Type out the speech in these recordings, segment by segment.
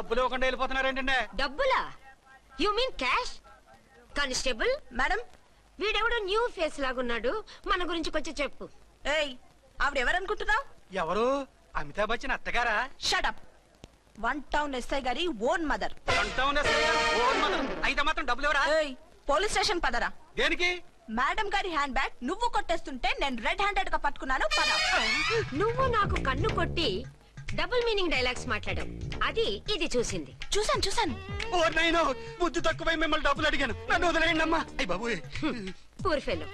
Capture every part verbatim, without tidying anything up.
డబ్బులు ఇవ్వకుండా వెళ్ళిపోతున్నారేంటండి? డబ్బులా? You mean cash? Constable madam, వీడెవడో న్యూ ఫేస్ లాగున్నాడు, మన గురించి కొంచెం చెప్పు. ఏయ్ ఆవిడెవరనుకుంటున్నావు? ఎవరు? అమితాబ్ బచ్చన్ అత్తగారా? షటప్. వన్ టౌన్ ఎస్ఐ గారి ఓన్ మదర్. అయితే మాత్రం డబ్బులు ఎవరా? ఏయ్ పోలీస్ స్టేషన్ పదరా. దేనికి? మేడం గారి హ్యాండ్ బ్యాగ్ నువ్వు కొట్టేస్తుంటే నేను రెడ్ హ్యాండెడ్ గా పట్టుకున్నాను. పద. నువ్వు నాకు కన్ను కొట్టి డబుల్ మీనింగ్ డైలాగ్స్ మాట్లాడావు, అది ఇది చూసింది. చూసాను చూసాను. ఓ నైనో, బుద్ధి తక్కువై మిమ్మల్ని డబ్బులు అడిగాను, నన్ను వదిలేయండి అమ్మా. అయ్య బాబు, పూర్ ఫెలో.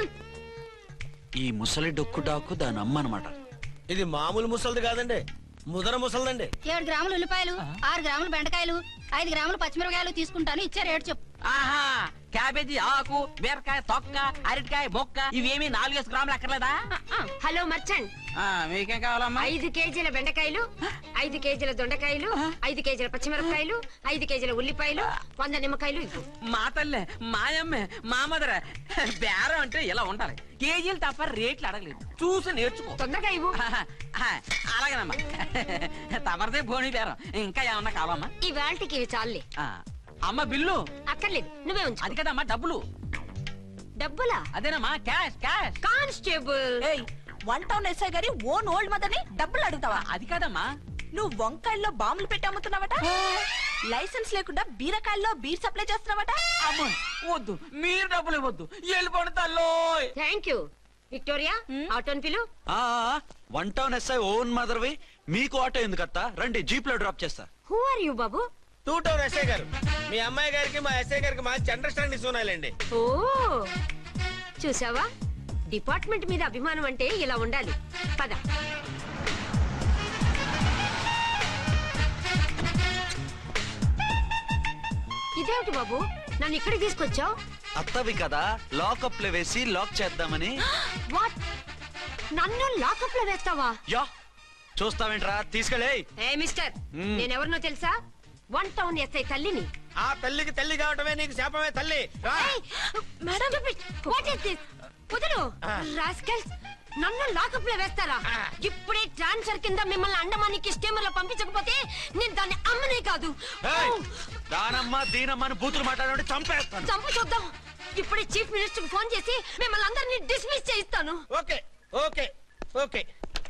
ఈ ముసలి డొక్కు డాకు దాని అమ్మ అనమాట. ఇది మామూలు ముసలిది కాదండి, ముదర ముసలిదండి. ఏడు గ్రాములు ఉల్లిపాయలు, ఆరు గ్రాములు బెండకాయలు, ఐదు గ్రాములు పచ్చిమిరపకాయలు తీసుకుంటాను. ఇచ్చే రేటు చెప్పు. ఆహా, క్యాబేజీ ఆకు, బీరకాయ తొక్క, అరటికాయ బొక్క, ఇవేమి నాలుగేసి గ్రాములు అక్కర్లేదా? హలో మర్చంట్, మీకేం కావాలమ్మా? ఐదు కేజీల బెండకాయలు, ఐదు కేజీల దొండకాయలు, ఐదు కేజీల పచ్చిమిరపకాయలు, ఐదు కేజీల ఉల్లిపాయలు, వంద నిమ్మకాయలు ఇవ్వు. మా తల్లే, మాయమ్మే, మా మదర బేరం అంటే ఇలా ఉండాలి. కేజీలు తప్ప రేట్లు అడగలేదు, చూసి నేర్చుకో. తొందరగా ఇవ్వు. అలాగేనమ్మా, తమరిదే భోని బేరం. ఇంకా ఏమన్నా కావాలమ్మా? ఈ వేల్టికి ఇవి చాలే. అమ్మ బిల్లు అక్కర్లేదు, నువ్వే ఉంచు. అది కదమ్మా డబ్బులు. డబ్బులా? అదేనమ్మా క్యాష్ క్యాష్. కానిస్టేబుల్, ఏయ్ వన్ టౌన్ ఎస్ఐ గారి ఓన్ ఓల్డ్ మదర్ ని డబ్బులు అడుగుతావా? అది కాదమ్మా. నువ్వు వంకాయల్లో బాంబులు పెట్టి అమ్ముతున్నావట, లైసెన్స్ లేకుండా బీరకాయల్లో బీర్ సప్లై చేస్తున్నావట. అమ్మ వద్దు, మీరు డబ్బులు ఇవ్వద్దు, వెళ్ళిపోండి తల్లో. Thank you. విక్టోరియా, ఆటోన్ పిలు. వన్ టౌన్ ఎస్ఐ ఓన్ మదర్వి, మీకు ఆటో ఎందుకత్తా? రండి, జీప్ లో డ్రాప్ చేస్తా. హూ ఆర్ యూ బాబు? టూ టౌన్ ఎస్ఐ గారు, మీ అమ్మాయి గారికి మా ఎస్ఐ గారికి మంచి అండర్స్టాండింగ్ ఉన్నాయండి. ఓ చూసావా, డిపార్ట్మెంట్ మీద అభిమానం అంటే ఇలా ఉండాలి. పద. ఇదేమిటి బాబు, నన్ను ఇక్కడికి తీసుకొచ్చావు? అత్తవి కదా, లాకప్ లో వేసి లాక్ చేద్దామని. వాట్, నన్ను లాకప్ లో వేస్తావా? యా, చూస్తావేంట్రా, తీసుకెళ్ళే. ఏ మిస్టర్, నేనెవరినో తెలుసా? వన్ టౌన్ ఎస్ఐ తల్లిని. ఆ తల్లికి తల్లి కావటమే నీకు శాపమే తల్లి. Madam, what is this? కుదరు రాస్కల్స్, నన్ను లాకప్ లో వేస్తారా? ఇప్పుడే ట్రాన్స్ఫర్ కింద మిమ్మల్ని అండమానికి స్టీమర్ లో పంపించకపోతే నేను దాన్ని అమ్మనే కాదు. దానమ్మ దీనమ్మ బూతులు మాట్లాడే చంపేస్తాను. చంపు చూద్దాం. ఇప్పుడే చీఫ్ మినిస్టర్ కి ఫోన్ చేసి మిమ్మల్ని అందరినీ డిస్మిస్ చేయిస్తాను. Okay okay okay.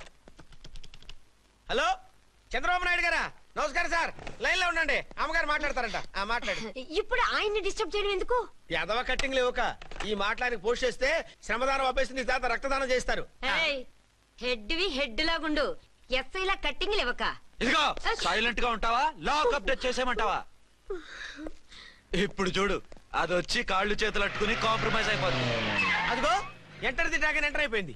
Hello Chandrababu Naidu గారా? నమస్కారం సార్, లైన్ లో ఉండండి, అమ్మగారు మాట్లాడతారంట. ఆ మాట్లాడు. ఇప్పుడు ఆయన్ని డిస్టర్బ్ చేయడం ఎందుకు? ఎదవ కట్టింగ్ లేవుక ఈ మాట్లాడికి పోస్ట్ చేస్తే శ్రమదానం అభ్యసింది తర్వాత రక్తదానం చేస్తారు. హెడ్ వి హెడ్ లాగుండు, ఎస్ఐ లా కట్టింగ్ లేవక. ఇదిగో సైలెంట్ గా ఉంటావా, లాక్ అప్డేట్ చేసేమంటావా? ఇప్పుడు చూడు, అది వచ్చి కాళ్ళు చేతులు అట్టుకుని కాంప్రమైజ్ అయిపోతుంది. అదిగో ఎంటర్ ది డ్రాగన్ ఎంటర్ అయిపోయింది.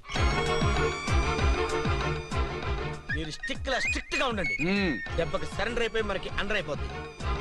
మీరు స్టిక్ లా స్ట్రిక్ట్ గా ఉండండి, దెబ్బకి సరెండర్ అయిపోయి మనకి అండర్ అయిపోతుంది.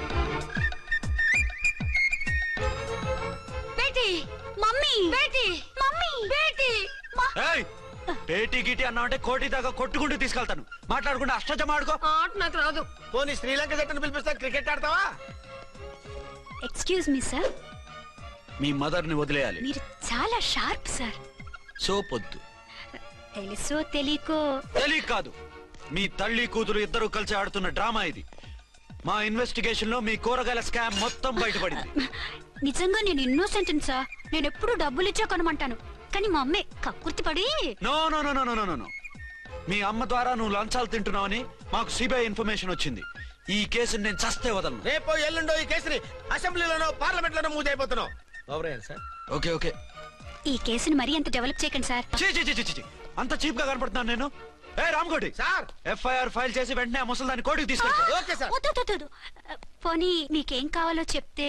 బేటీ, మమ్మీ, బేటీ, మమ్మీ, బేటీ. పేటీ గిటి అన్నావంటే కోటి దాకా కొట్టుకుంటూ తీసుకెళ్తాను. మాట్లాడుకుంటూ అష్టజమ ఆడుకో. ఆట నాకు రాదు. పోనీ శ్రీలంక జట్టును పిలిపిస్తా, క్రికెట్ ఆడతావా? ఎక్స్క్యూజ్ మీ సార్, మీ మదర్ ని వదిలేయాలి. మీరు చాలా షార్ప్ సార్. సోపొద్దు. తెలుసో తెలియకో. తెలియ కాదు, మీ తల్లి కూతురు ఇద్దరు కలిసి ఆడుతున్న డ్రామా ఇది. మా ఇన్వెస్టిగేషన్ లో మీ కూరగాయల స్కామ్ మొత్తం బయటపడింది. నిజంగా నేను ఇన్నోసెంట్ సార్, నేను ఎప్పుడు డబ్బులు ఇచ్చా కొనమంటాను, కానీ మా అమ్మే కక్కుర్తి పడి. No no no no no no మీ అమ్మ ద్వారా నువ్వు లంచాలు తింటున్నావని మాకు సిబిఐ ఇన్ఫర్మేషన్ వచ్చింది. ఈ కేసుని నేను చస్తే వదలను. రేపో ఎల్లుండో ఈ కేసుని అసెంబ్లీలోనో పార్లమెంట్ లోనో మూవ్ అయిపోతున్నావు. సార్ ఓకే ఓకే, ఈ కేసుని మరీ అంత డెవలప్ చేయకండి సార్. అంత చీప్ గా కనపడుతున్నాను నేను? ఏ రామ్కోటి సార్, ఎఫ్ఐఆర్ ఫైల్ చేసి వెంటనే ఆ ముసలిదాన్ని కోర్టుకు తీసుకెళ్తా. Okay sir. వద్దు వద్దు వద్దు, పోనీ మీకేం కావాలో చెప్తే.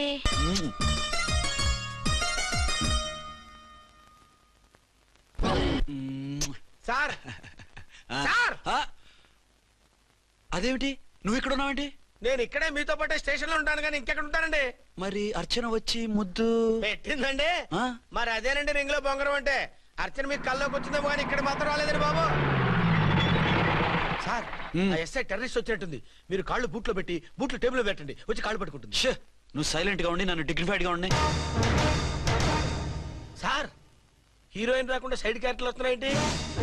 సార్ సార్, అదేమిటి నువ్వు ఇక్కడ ఉన్నావేంటి? నేను ఇక్కడే మీతో పాటే స్టేషన్ లో ఉంటాను కానీ ఇంకెక్కడ ఉంటానండి. మరి అర్చన వచ్చి ముద్దు పెట్టిందండి. మరి అదేనండి రింగ్ లో బొంగరం అంటే. అర్చన మీకు కల్లోకి వచ్చిందేమో కానీ ఇక్కడ మాత్రం రాలేదండి బాబు. సార్, ఎస్ఐ టెర్రరిస్ట్ వచ్చినట్టుంది. మీరు కాళ్ళు బూట్లో పెట్టి బూట్లు టేబుల్ లో పెట్టండి, వచ్చి కాళ్ళు పట్టుకుంటుంది. నువ్వు సైలెంట్ గా ఉండి నన్ను డిగ్నిఫైడ్ గా ఉండి. సార్, హీరోయిన్ రాకుండా సైడ్ క్యారెక్టర్లు వస్తున్నాయేంటి?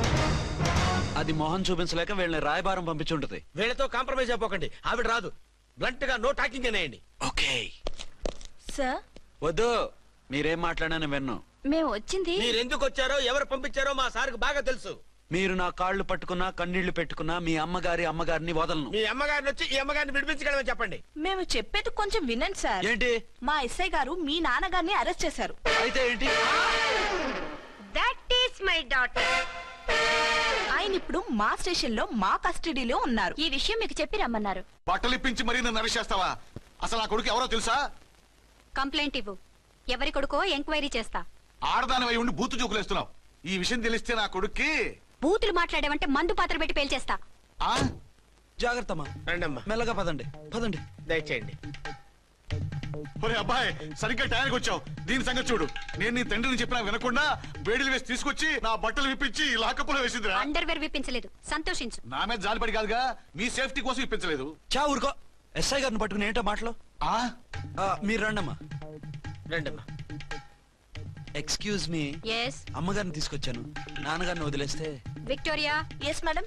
అది మొహం చూపించలేక వీళ్ళని రాయబారం పంపించుంటది. వీళ్ళతో కాంప్రమైజ్ అయిపోకండి, ఆవిడ రాదు. బ్లంట్ గా నో టాకింగ్ అనేయండి. ఓకే సార్ వద్దు, మీరేం మాట్లాడాను విన్ను. మేము వచ్చింది మీరు ఎందుకు వచ్చారో ఎవరు పంపించారో మా సార్కు బాగా తెలుసు. మీరు నా కాళ్ళు పట్టుకున్నా కన్నీళ్లు పెట్టుకున్నా మీ అమ్మగారి అమ్మగారిని వదలను. మీ అమ్మగారిని వచ్చి ఈ అమ్మగారిని విడిపించగలమని చెప్పండి. మేము చెప్పేది కొంచెం వినండి సార్. ఏంటి? మా ఎస్ఐ గారు మీ నాన్నగారిని అరెస్ట్ చేశారు. అయితే ఏంటి? That is my daughter. ఆయన ఇప్పుడు మా స్టేషన్ లో మా కస్టడీలో ఉన్నారు. ఈ విషయం మీకు చెప్పి రమ్మన్నారు. బట్టలిప్పించి మరీ నన్ను నరిచేస్తావా? అసలు ఆ కొడుకు ఎవరో తెలుసా? కంప్లైంట్ ఇవ్వు. ఎవరి కొడుకో ఎంక్వైరీ చేస్తా. ఆడదానివై ఉండి బూతు చూకులేస్తున్నావు. ఈ విషయం తెలిస్తే నా కొడుక్కి బూతులు మాట్లాడావంటే మందు పాత్ర పెట్టి పేల్చేస్తా. ఆ జాగ్రత్తమ్మా, రండమ్మా, మెల్లగా పదండి పదండి. దయచేయండి. ఒరే అబ్బాయి, సరిగ్గా టయానికి వచ్చావు. దీని సంగతి చూడు. నేను నీ తండ్రిని చెప్పినా వినకుండా వేడిలు వేసి తీసుకొచ్చి నా బట్టలు విప్పించి లాకప్పులో వేసిందిరా. అండర్వేర్ విప్పించలేదు, సంతోషించు. నా మీద జాలిపడి కాదుగా, మీ సేఫ్టీ కోసం ఇప్పించలేదు. చా ఊరుకో. ఎస్ఐ గారిని పట్టుకుని ఏంటో మాటలు. ఆ ఆ, మీరు రండమ్మా. రండమ్మా. ఎక్స్క్యూజ్ మీ, ఎస్ అమ్మగారిని తీసుకొచ్చాను. నాన్నగారిని వదిలేస్తే Victoria. Yes madam.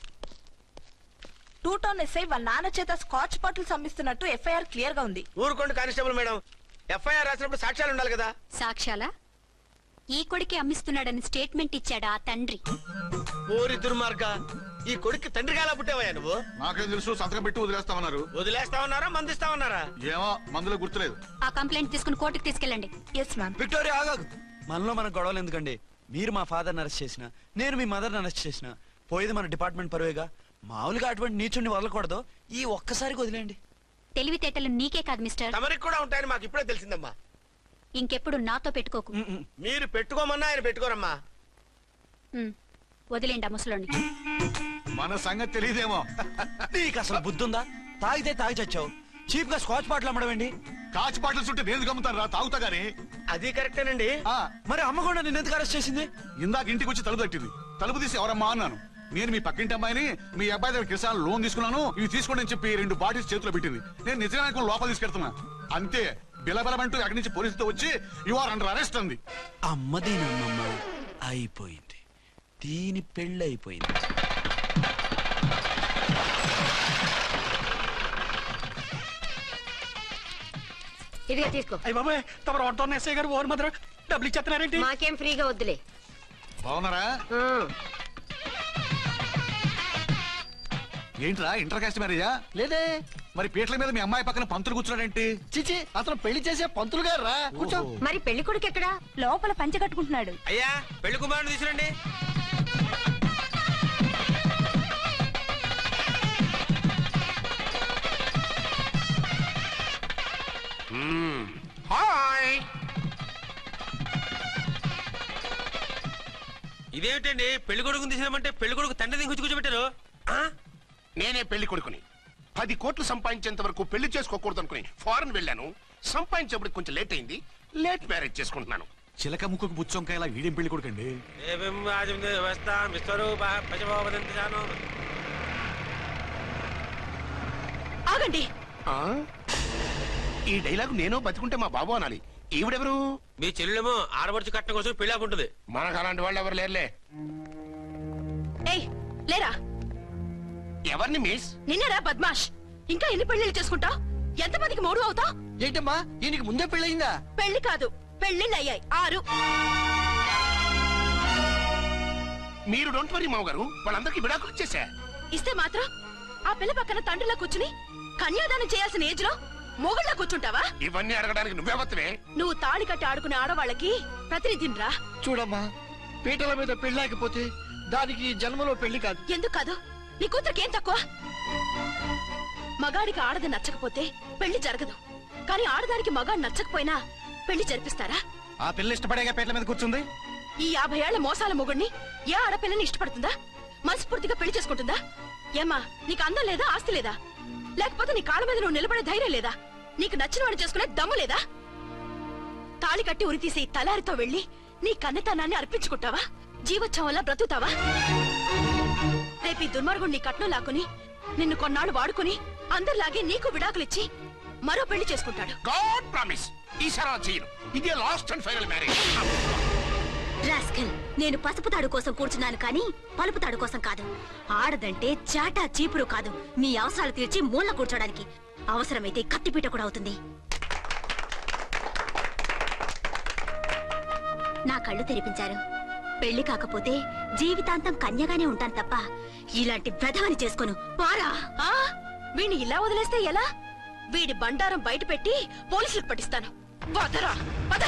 Two town SI వాళ్ళ నాన్న చేత స్కాచ్ బాటిల్స్ అమ్మిస్తున్నట్టు ఎఫ్ఐఆర్ క్లియర్ గా ఉంది. ఊరుకోండి కానిస్టేబుల్ మేడం. ఎఫ్ఐఆర్ రాసినప్పుడు సాక్ష్యాలు ఉండాలి కదా. సాక్ష్యాలా? ఈ కొడుకే అమ్మిస్తున్నాడని స్టేట్మెంట్ ఇచ్చాడా ఆ తండ్రి? ఓరి దుర్మార్గ, ఈ కొడుక్కి తండ్రిగా ఎలా పుట్టావయ్యా నువ్వు? నాకేం తెలుసు, సంతకం పెట్టి వదిలేస్తామన్నారు. వదిలేస్తామన్నారా మందిస్తామన్నారా? ఏమో, మందులో గుర్తులేదు. ఆ కంప్లైంట్ తీసుకుని కోర్టుకు తీసుకెళ్ళండి. Yes ma'am. విక్టోరియా ఆగాగు. మనలో మన గొడవలు ఎందుకండి? మీరు మా ఫాదర్ని అరెస్ట్ చేసిన, నేను మీ మదర్ని అరెస్ట్ చేసిన, పోయేది మన డిపార్ట్మెంట్ పరువేగా. మామూలుగా అటువంటి నీచుని వదలకూడదు. ఈ ఒక్కసారికి వదిలేండి. తెలివితేటలు నీకే కాదు మిస్టర్, తమరికి కూడా ఉంటాయని మాకు ఇప్పుడే తెలిసిందమ్మా. ఇంకెప్పుడు నాతో పెట్టుకోకు. ఉమ్, ఉమ్. మీరు పెట్టుకోమన్నా ఆయన పెట్టుకోరమ్మా. ఉమ్, వదిలేండి ఆ ముసలోని. మన సంగతి తెలియదేమో. నీకు అసలు బుద్ధి ఉందా? తాగితే తాగి చచ్చావు. చీప్ గా స్కాచ్ బాటిల్ అమ్మడమేంటి? కాచి బాటిల్స్ ఉంటే నేను గమ్ముతాను రా, తాగుతా గానీ. అది కరెక్టేనండి. ఆ, మరి అమ్మ కూడా నిన్ను ఎందుకు అరెస్ట్ చేసింది? ఇందాక ఇంటికి వచ్చి తలుపు తట్టింది. తలుపు తీసి ఎవరమ్మా అన్నాను. నేను మీ పక్కింటి అమ్మాయిని, మీ అబ్బాయి దగ్గర కిసాన్ లోన్ తీసుకున్నాను, ఇవి తీసుకోండి అని చెప్పి రెండు బాటిల్స్ చేతిలో పెట్టింది. నేను నిజంగా లోపల తీసుకెళ్తున్నా. అంతే, బిలబలమంటూ అక్కడి నుంచి పోలీసుతో వచ్చి యు ఆర్ అండర్ అరెస్ట్ అంది. అమ్మ దీనమ్మమ్మ అయిపోయింది. దీని పెళ్ళి అయిపోయింది. ఇదిగా తీసుకో. అయ్య బాబాయ్, తమరు ఆటో ఎస్ఐ గారు ఓవర్ మాత్రం డబ్బులు ఇచ్చేస్తున్నారేంటి? మాకేం ఫ్రీగా వద్దులే. బాగున్నారా? ఉమ్. ఏంట్రా, ఇంటర్ కాస్ట్ మ్యారేజా? లేదే. మరి పీటల మీద మీ అమ్మాయి పక్కన పంతులు కూర్చున్నాడేంటి? చిచి, అతను పెళ్లి చేసే పంతులు గారు రా. కూర్చో. మరి పెళ్లి కొడుకు ఎక్కడా? లోపల పంచె కట్టుకుంటున్నాడు. అయ్యా, పెళ్లి కుమారుని తీసుకురండి. హాయ్. ఇదేమిటండి, పెళ్లి కొడుకుని తీసినామంటే పెళ్లి కొడుకు తండ్రి దించి కూర్చోబెట్టారు. నేనే పెళ్లి కొడుకుని. పది కోట్లు సంపాదించేంత వరకు పెళ్లి చేసుకోకూడదు అనుకుని ఫారెన్ వెళ్ళాను. సంపాదించేప్పుడు కొంచెం లేట్ అయింది. లేట్ మ్యారేజ్ చేసుకుంటున్నాను. చిలక ముక్కుకు బుచ్చొంకాయలా వీడేం పెళ్లి కొడుకండి? ఆగండి. ఆ? ఈ డైలాగ్ నేను బతికుంటే మా బాబు అనాలి. ఈవిడెవరు? మీ చెల్లెమో ఆడబడుచు కట్టడం కోసం పెళ్లి ఆపుంటుంది. మనకు అలాంటి వాళ్ళు ఎవరు లేరులే. ఏయ్, లేరా. ఎవరిని మిస్? నిన్నరా బద్మాష్. ఇంకా ఎన్ని పెళ్లిళ్ళు చేసుకుంటా? ఎంతమందికి మూడు అవుతా? ఏంటమ్మా, ఈయనకి ముందే పెళ్ళయిందా? పెళ్లి కాదు, పెళ్లిళ్ళు అయ్యాయి ఆరు. మీరు డోంట్ వరీ మావ గారు, వాళ్ళందరికీ విడాకులు ఇచ్చేసా. ఇస్తే మాత్రం ఆ పిల్ల పక్కన తండ్రిలా కూర్చుని కన్యాదానం చేయాల్సిన ఏజ్ లో మొగుళ్ళ కూర్చుంటావా? ఇవన్నీ అడగడానికి నువ్వెవత్తవే? నువ్వు తాళి కట్టి ఆడుకునే ఆడవాళ్ళకి ప్రతినిధిరా. చూడమ్మా, పీటల మీద పెళ్ళాకపోతే దానికి ఈ జన్మలో పెళ్లి కాదు. ఎందుకు కాదు? నీ కూతురికి ఏం తక్కువ? మగాడికి ఆడది నచ్చకపోతే పెళ్లి జరగదు. కానీ ఆడదానికి మగాడు నచ్చకపోయినా పెళ్లి జరిపిస్తారా? ఆ పిల్ల ఇష్టపడేగా పీటల మీద కూర్చుంది. ఈ యాభై ఏళ్ల మోసాల మొగుడిని ఏ ఆడపిల్లని ఇష్టపడుతుందా? మనస్ఫూర్తిగా పెళ్లి చేసుకుంటుందా? ఏమ్మా, నీకు అందం లేదా, ఆస్తి లేదా? లేకపోతే నీ కాళ్ళ మీద నువ్వు నిలబడే ధైర్యం లేదా? నీకు నచ్చిన వాడు చేసుకునే దమ్ము లేదా? తాళి కట్టి ఉరితీసి తలారితో వెళ్లి నీ కన్నెతనాన్ని అర్పించుకుంటావా? జీవోత్సవంలా బ్రతుకుతావా? రేపు ఈ దుర్మార్గుడు నీ కట్నం లాక్కుని నిన్ను కొన్నాళ్ళు వాడుకుని అందరిలాగే నీకు విడాకులిచ్చి మరో పెళ్లి చేసుకుంటాడు. గాడ్ ప్రామిస్, ఈసారి అలా చేయను. ఇదే last and final marriage. Rascal, నేను పసుపు తాడు కోసం కూర్చున్నాను కానీ పలుపు తాడు కోసం కాదు. ఆడదంటే చాటా చీపురు కాదు, నీ అవసరాలు తీర్చి మూల కూర్చోడానికి. అవసరమైతే కత్తిపీట కూడా అవుతుంది. నా కళ్ళు తెరిపించారు. పెళ్లి కాకపోతే జీవితాంతం కన్యగానే ఉంటాను తప్ప ఇలాంటి వ్రతాన్ని చేసుకోను. పారా. ఆ వీణ్ణి ఇలా వదిలేస్తే ఎలా? వీడి బండారం బయట పెట్టి పోలీసులకు పట్టిస్తాను. వదరా వద.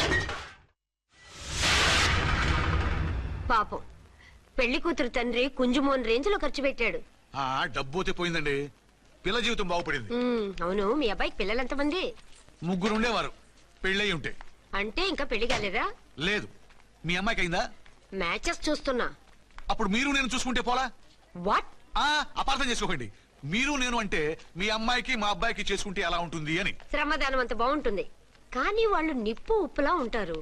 పాపం పెళ్లి కూతురు తండ్రి కుంజుమోన్ రేంజ్ లో ఖర్చు పెట్టాడు. ఆ డబ్బు అయితే పోయిందండి, పిల్ల జీవితం బాగుపడింది. ఉమ్, అవును మీ అబ్బాయికి పిల్లలు ఎంతమంది? ముగ్గురు ఉండేవారు, పెళ్ళయి ఉంటే. అంటే ఇంకా పెళ్లి కాలేదా? లేదు. మీ అమ్మాయికి అయిందా? మ్యాచెస్ చూస్తున్నా. అప్పుడు మీరు నేను చూసుకుంటే పోలా? వాట్? ఆ అపార్థం చేసుకోకండి. మీరు నేను అంటే మీ అమ్మాయికి మా అబ్బాయికి చేసుకుంటే ఎలా ఉంటుంది అని. శ్రమదానం అంత బాగుంటుంది, కానీ వాళ్ళు నిప్పు ఉప్పులా ఉంటారు.